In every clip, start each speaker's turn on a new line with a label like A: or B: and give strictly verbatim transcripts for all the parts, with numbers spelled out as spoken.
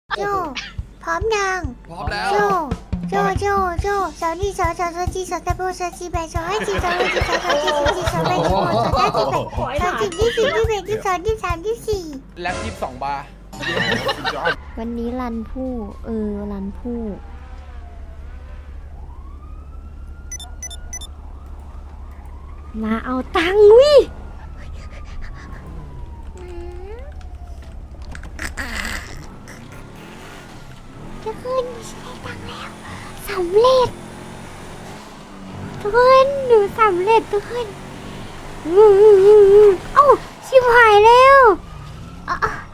A: โจพร้อมยัง
B: พร้อมแล้ว
A: โจโจโจโจสาวนี่สาวสาวสาวจีสาวตะโบสาวจีแบสาวให้จีสาวให้จีสาวสาวจีสาวจีสาวแบสาวสาวจีแบสาวจีที่สี่ที่แบที่สองที่สามที่สี่
B: แล็บยี่สิบสองบาร์
A: วันนี้รันผู้เออรันผู้มาเอาตังค์วิจะขึ้นไม่ใช่ตังค์แล้วสำเร็จทุกคนหนูสำเร็จทุกคนอือเอ้าชิบหายแล้วอ่ะ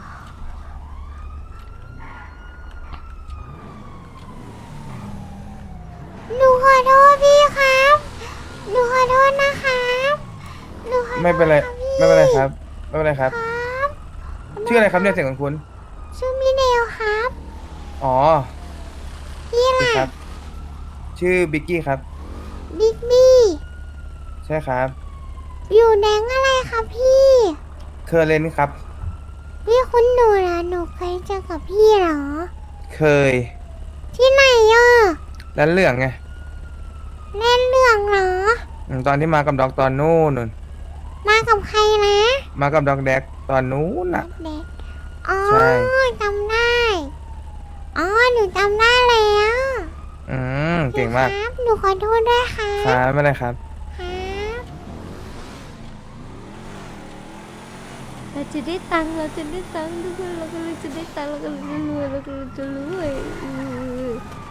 A: หนูขอโทษพี่ครับหนูขอโทษนะครับหนูขอโทษ
C: ไม่เป็นไร
A: คบ
C: ไม่เป็นไรครับไม่เป็นไรครับ
A: ครับ
C: ชื่ออะไรครับเนี่ยเสียงของคุณ
A: ชื่อมิเนลครับ
C: อ๋อ
A: พี่
C: ดี
A: ล่ะ
C: ครับ ชื่อบิ๊กกี้ครับ
A: บิ๊กบี้
C: ใช่ครับ
A: อยู่แดงอะไรครับพี่
C: เคอร์เรนครับ
A: พี่คุณหนูเหรอหนูเคยเจอกับพี่เหรอ
C: เคย
A: ที่ไหนอ่ะ
C: แล้วเรื่องไง
A: เล่นเรื่องเหรอ
C: อืมตอนที่มากับดอกตอนนู้นนู่น
A: มากับใครนะ
C: มากับดอกแดกตอนนู้นน่ะ
A: เด็กอ๋อ
C: ใช่
A: จำได้อ๋อหนูจำได้แล้ว
C: อืมเก่งมาก
A: พี่ครับหนูขอโทษด้วยครั
C: ครับ บไม่เป็นไรครับ
A: ครับเราจะได้ตังค์เราจะได้ตังค์ทุกคนเราก็เลยจะได้ตังค์เราก็เลยจะรวยเราก็เลยจะรวยอือ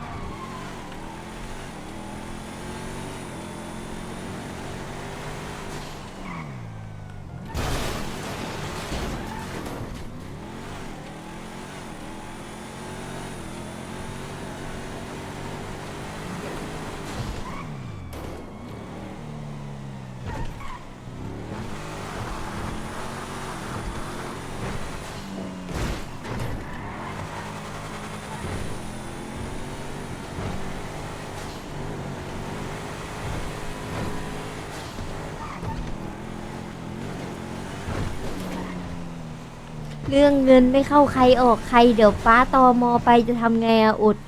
A: เรื่องเงินไม่เข้าใครออกใครเดี๋ยวป้าตอมอไปจะทำไงอะอด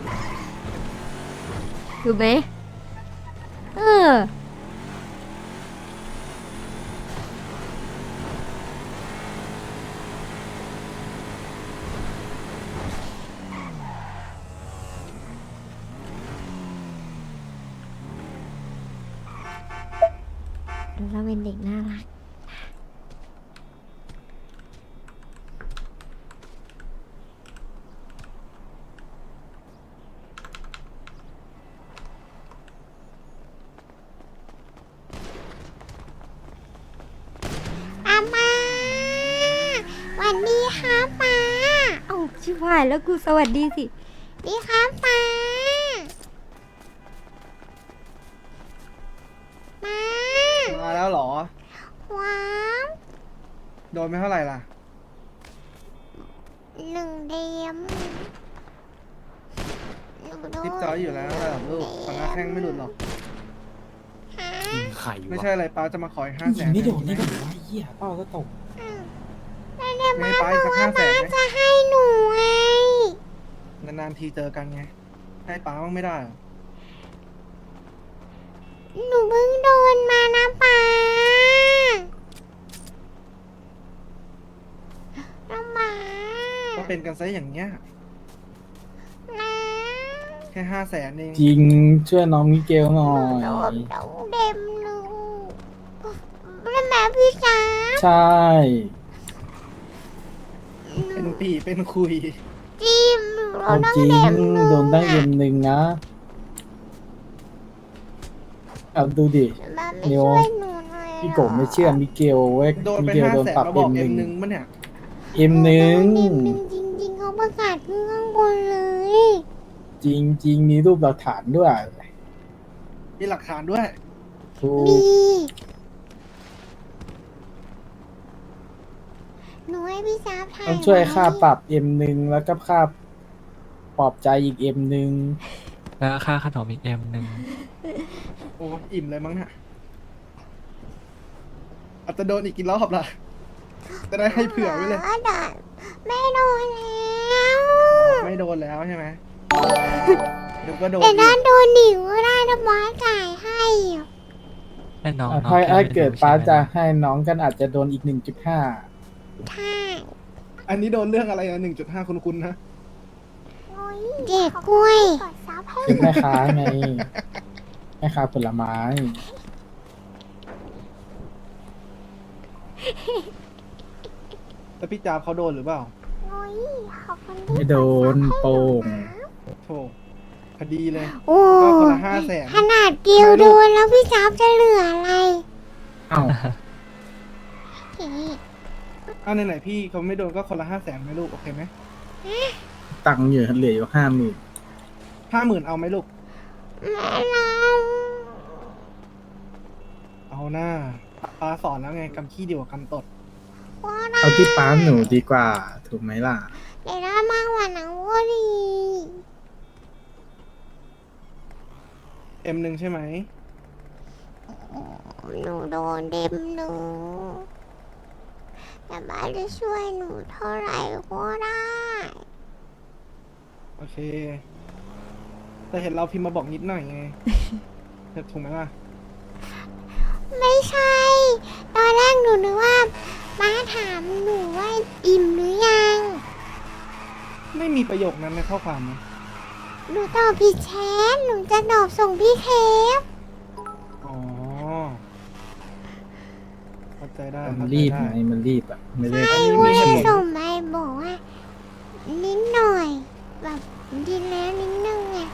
A: ถูกไหมเออเราเป็นเด็กน่ารักอามาสวัสดีครับป้าเอ้าชิบหายแล้วกูสวัสดีสิดีครับป้ามา
D: มาแล้วเหรอ
A: ว้าว
D: โดนไม่เท่าไหร่ล่ะ
A: หนึ่งเดียมหนูโดน
D: ทิปจอยอยู่แล้วระดับลูกฟังแข้งไม่หลุดหรอก
A: ฮะ
E: ไข่
D: ไม่ใช่อะไรป้าจะมาขออีกห้าแส
E: ยิ
D: น
E: งไม่โดนนี่ก็วะเหี้ยเป้าก็ตก
A: แล้วเนี่ย
D: ไม่
A: ป้า
D: ให้ป้า
A: บ
D: อี
A: อก
D: กสัก
A: ว่า
D: ห้าแส
A: ป้าน
D: ไหม
A: จะให้หนูไง
D: นานๆทีเจอกันไง ให้ป้าบ้างไม่ได้เหรอ
A: หนูเพิ่งโดนมานะป้าน้องหมา
D: ก็เป็นกันซะอย่างเงี้ย
A: นะ
D: แค่ห้าแสนเอง
E: จริงช่วยน้องมิเกลหน่อ
A: โด
E: ย
A: นโดนเด็มหนูแล้วแม่พี่จ๋า
E: ใช่
D: เป็นปีเป็นคุย
A: จิ้มหนู
E: เอา
A: โดน
E: จริง
A: เด็มหนู
E: โดนตั้งเอ็มหนึ่งนะเอาดูดิ
A: แม่ไม่
E: เดี๋ยว
A: ช่วยหนูหน่อย
E: พี่โกบไม่เชื่อมิเกลเว้ย
D: โดน
E: มิ
D: ไป
E: เกล
D: ห้า
E: โดน
D: แสน
E: ปรับ
D: มาบ
E: เอ็
D: อก
E: มห
D: เอ็
E: นึ่
D: ม
E: ง
D: หนึ่งมั้เนี่ย
E: เอ็มหนึ่ง
A: เอ็มหนึ่งจริงๆเขาประกาศขึ้นข้างบนเลย
E: จริงจริงมีรูปหลักฐานด้วย
D: มีหลักฐานด้วย
E: ถู
A: มี
E: ก
A: หนูให้พี่สาวถ่าย
E: ต้องช่วยค่า
A: ไ
E: ปรับเอ็มหนึ่งแล้วก็ค่าปลอบใจอีกเอ็มหนึ่ง
F: แล้วค่าขนมอีกเอ็มหนึ่ง
D: โอ้อิ่มเลยมั้งเนี่ยอาจจะโดนอีกกี่รอบล่ะ จะได้ให้เผื่อไว้เลย
A: ไม่โดนแล้ว
D: นแล้วใช่ไหมเดี๋ยวก็โดน
A: แต่
D: อี
A: ถ้าก โดนหนิวก็ได้ถ้าป้าจ่ายให้อะ
F: ให้น้อง
E: อ่ะ
F: น้อง
E: ถ้า
F: แค่
E: ถ้า
F: ไม่ไ
E: เกิดป้า
F: ใช่ไหม
E: จะให้น้องกันอาจจะโดนอีกหนึ่งจุดห้า
A: ใช่
D: อันนี้โดนเรื่องอะไรนะหนึ่งจุดห้าคุณคุณนะ
A: เด็กกล้วย
E: คือแม่ค้าไงแม่ค้าผลไม้
D: แต่พี่จาบเขาโดนหรือเปล่า
E: ไม่โดนโป่ง
D: โธ่พอดีเลย
A: โอ้
D: ก็คนละห้าแสน
A: ขนาดเกียวโดนแล้วพี่จ๊าบจะเหลืออะไร
E: เอ้า
A: เฮ้ย
D: อ้าวไหนๆพี่เขาไม่โดนก็คนละห้าแสนไหมลูกโอเคไหม
E: ตังค์อยู่เหลืออยู่ห้าหมื่น
D: ห้าหมื่นเอาไหมลูก
A: ไม่เอา
D: เอาหน้าป้าสอนแล้วไงกำขี้ดีกว่ากำตด
A: ก็ได้
E: เอาที่ป้าหนูดีกว่า ถูกไหมล่ะ
A: แต่ได้มากกว่านั้นก็ดี
D: เอ็มหนึ่งใช่ไหม
A: หนูโดนเด็มหนูแต่บ้านจะช่วยหนูเท่าไหร่ก็ได้
D: โอเค แต่เห็นเราพิมพ์มาบอกนิดหน่อยไง ถูกไหมล่ะ
A: ไม่ใช่ ตอนแรกหนูนึกว่าป้าถามหนูว่าอิ่มหรือยัง
D: ไม่มีประโยคนั้นในข้อความนะ
A: หนูตอบผิดแชทหนูจะตอบส่งพี่เคฟ
D: อ๋อเข้าใจได้
E: มัน
D: เข้าใจ
E: รีบ
D: ได้
E: ไงมันรีบอ่ะ ไม่ได้
A: ใช่
D: อันนี้
A: ว่า
D: มีเหตุผล
A: ส่งไปบอกว่านิดหน่อย แบบดีแล้วนิดนึงไง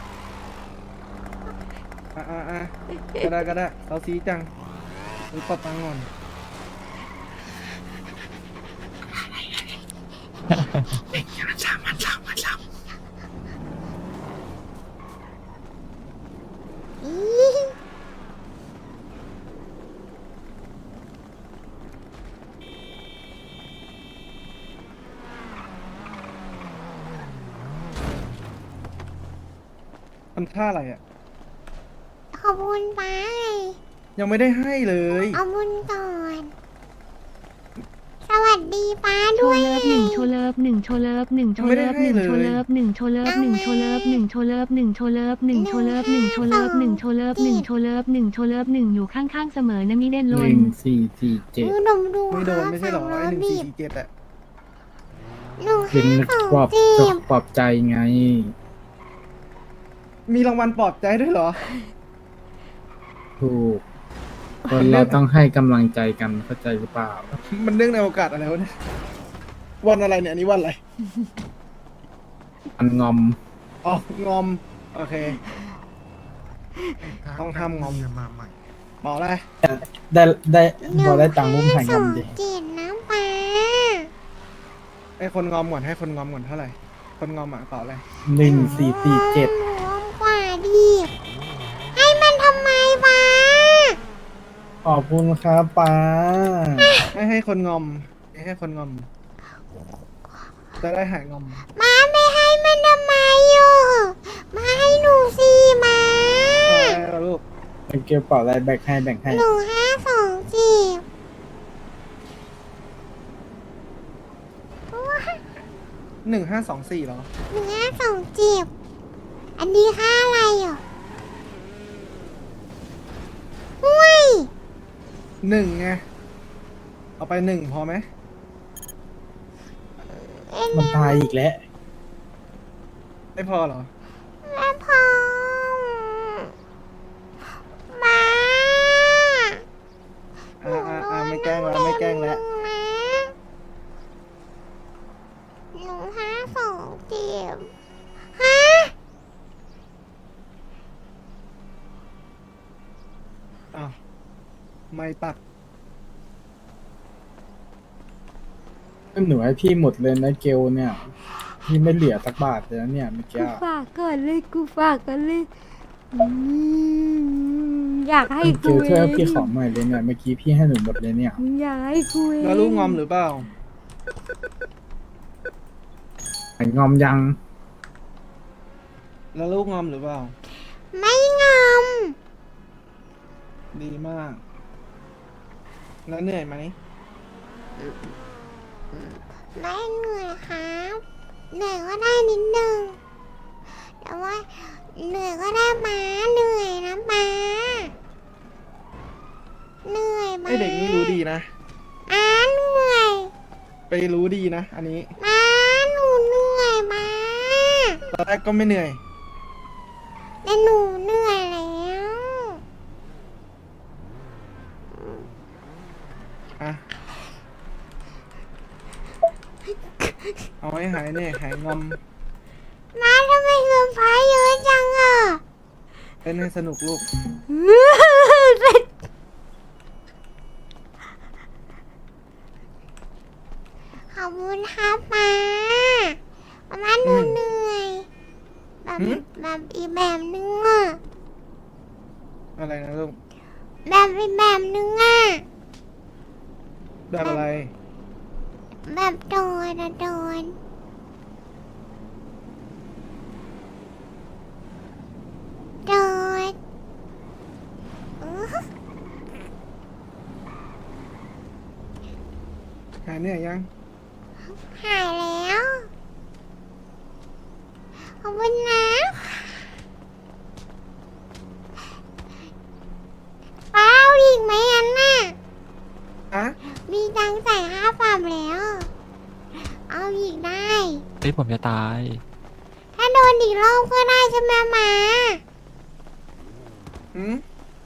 D: อ่ะอ่ะอ่ะก็ได้ก็ได้เราซีจังหรือปรับตังค์ก่อน
A: อี
D: ทำท่าอะไรอ่ะ
A: ขอบคุณป้าไง
D: ยังไม่ได้ให้เลย
A: เอาบุญก่อน สวัสดีป้า
B: โช
A: ด้วย
B: เลิฟหนึ่งโชเลิฟหนึ่งโชเลิฟหนึ่งโชเลิฟหนึ่งโชเลิฟหนึ่งโชเลิฟหนึ่งโชเลิฟหนึ่งโชเลิฟหนึ่งโชเลิฟหนึ่งโชเลิฟหนึ่งโชเลิฟหนึ่งโชเลิฟหนึ่งโชเลิฟหนึ่งโชเลิฟหนึ่งอยู่ข้างๆเสมอนะมิเด่น
E: ห
B: ล
E: นึ่
B: น
E: งสี่สี่เจ็ด
A: หนูดมดู
D: ไม่โดนไม่ใช่เหรอ
A: คบ
D: ไอ้หนึ่ง
A: บี
D: สี่
A: บ
D: สี่เจ็ดอ่ะ
A: หนู
E: เป็น
A: ห้าสอง
E: ปลอบ
A: จีบ
E: ปลอบใจไง
D: มีรางวัลปลอบใจด้วยเหรอ
E: ถูก คนเราต้องให้กำลังใจกันเข้าใจหรือเปล่า
D: มันเนื่องในโอกาสอะไรวะเนี่ย วันอะไรเนี่ยอันนี้วันอะไร
E: มันงอม
D: อ๋องอม โอเค ต้องห้ามงอมบอกเลย
E: ได้ได้
A: หนึ่
E: พอได้ตังค์มุ้ม
A: ห้า
E: แข่ง
A: ส
E: กั
A: อน ง
E: ดิ
A: เจ็ดนะป้า
D: ให้คนงอมก่อนให้คนงอมก่อนเท่าไหร่ คนงอมอ่ะเปล่าอะไร
E: หนึ่งสี่สี่เจ็ด
A: หนูอมกว่าดิให้มันทำไมป้า
E: ขอบคุณครับป้า
D: ให้ให้คนงอม ให้คนงอม จะได้หายงอม
A: มาไม่ให้มันทำไมอยู่มาให้หนูสิมา
D: เอาแล้วลูก
E: เป็นเกลียวเปล่าอะไรแบ่งให้แบ่งให้
A: หนูห้าสองจีบ
D: หนึ่งห้าสองสี่เหรอ
A: หนูห้าสองจีบ อันนี้ค่าอะไรอ่ะห้วย
D: หนึ่งไง เอาไปหนึ่งพอไหม
E: มันตายอีกแล้ว
D: ไม่พอเหรอ
A: แม่พอมา
D: อ่าอ่าอ่าไม่แกล้งแล้วไม่แกล้งแล้ว
A: หนูห้าสองจีบฮะ
D: อ้าว ไม่ตัด
E: หนูให้พี่หมดเลยนะเกลเนี่ย พี่ไม่เหลือสักบาทเลยนะเนี่ยเมื่อกี้
A: กูฝากก่อนเลยกูฝากกันเลยอืมอยากให้
E: เก
A: กู
E: ล
A: เอ
E: ช่วย
A: ง
E: พี่ขอหน่อยเลยเนี่ยเมื่อกี้พี่ให้หนูหมดเลยเนี่ย
A: อยากให้กูเอง
D: แล้วลูกงอมหรือเปล่า
E: ไอ้งอมยัง
D: แล้วลูกงอมหรือเปล่า
A: ไม่งอม
D: ดีมาก แล้วเหนื่อยไหม
A: ไม่เหนื่อยครับ
D: โ
A: เหนื่อยก็ได้นิดนึงแต่ว่าเหนื่อยก็ได้มาเหนื่อยนะมาเหนื่อยมา
D: ไอเด็กนี่รู้ดีนะ
A: อ่าเหนื่อย
D: ไปรู้ดีนะ อันนี้
A: มาหนูเหนื่อยมา
D: ตอนแรกก็ไม่เหนื่อย
A: แต่หนูเหนื่อยแล้ว
D: อ่ะ เอาให้หายเนี่ยหายงอม
A: มาทำไมเงินพายเยอะจังอ่ะ
D: เล่นให้สนุกลูก
A: ขอบคุณครับมามาหนูเหนื่อยแบบ
D: หืม
A: แบบอีกแบบนึงอ่ะ
D: อะไรนะลูก
A: แบบอีกแบบนึงอ่ะ
D: แบบอะไร
A: แบบโดนอะโดนโดนอื้อ
D: หายเหนื่อยยัง
A: หายแล้วขอบคุณนะป้าเอาอีกไหมอันน่ะ
D: อะ
A: มีตังค์จ่ายค่าปรับแล้ว เอาอีกได้
F: เฮ้ยผมจะตาย
A: ถ้าโดนอีกรอบก็ได้ใช่ไหมมา
D: หืม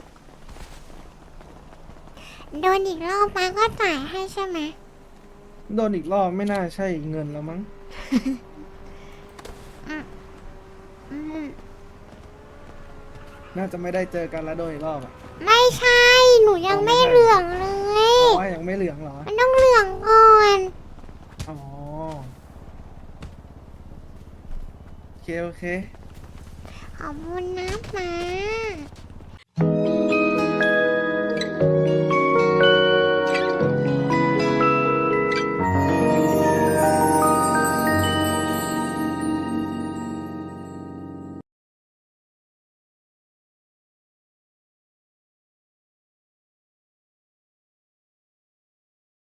A: โดนอีกรอบมาก็จ่ายให้ใช่ไหม
D: โดนอีกรอบไม่น่าใช่เงินแล้วมั้ง
A: อืม
D: น่าจะไม่ได้เจอกันแล้วโดนอีกรอบอ่ะ
A: ไม่ใช่ หนูยังไม่
D: อ๋อไม่ใช่
A: เหลืองเลย
D: อ๋อยังไม่เหลืองเหรอ
A: มันต้องเหลืองก่อน
D: อ๋อ โอเค โอเค
A: ขอบคุณนะมา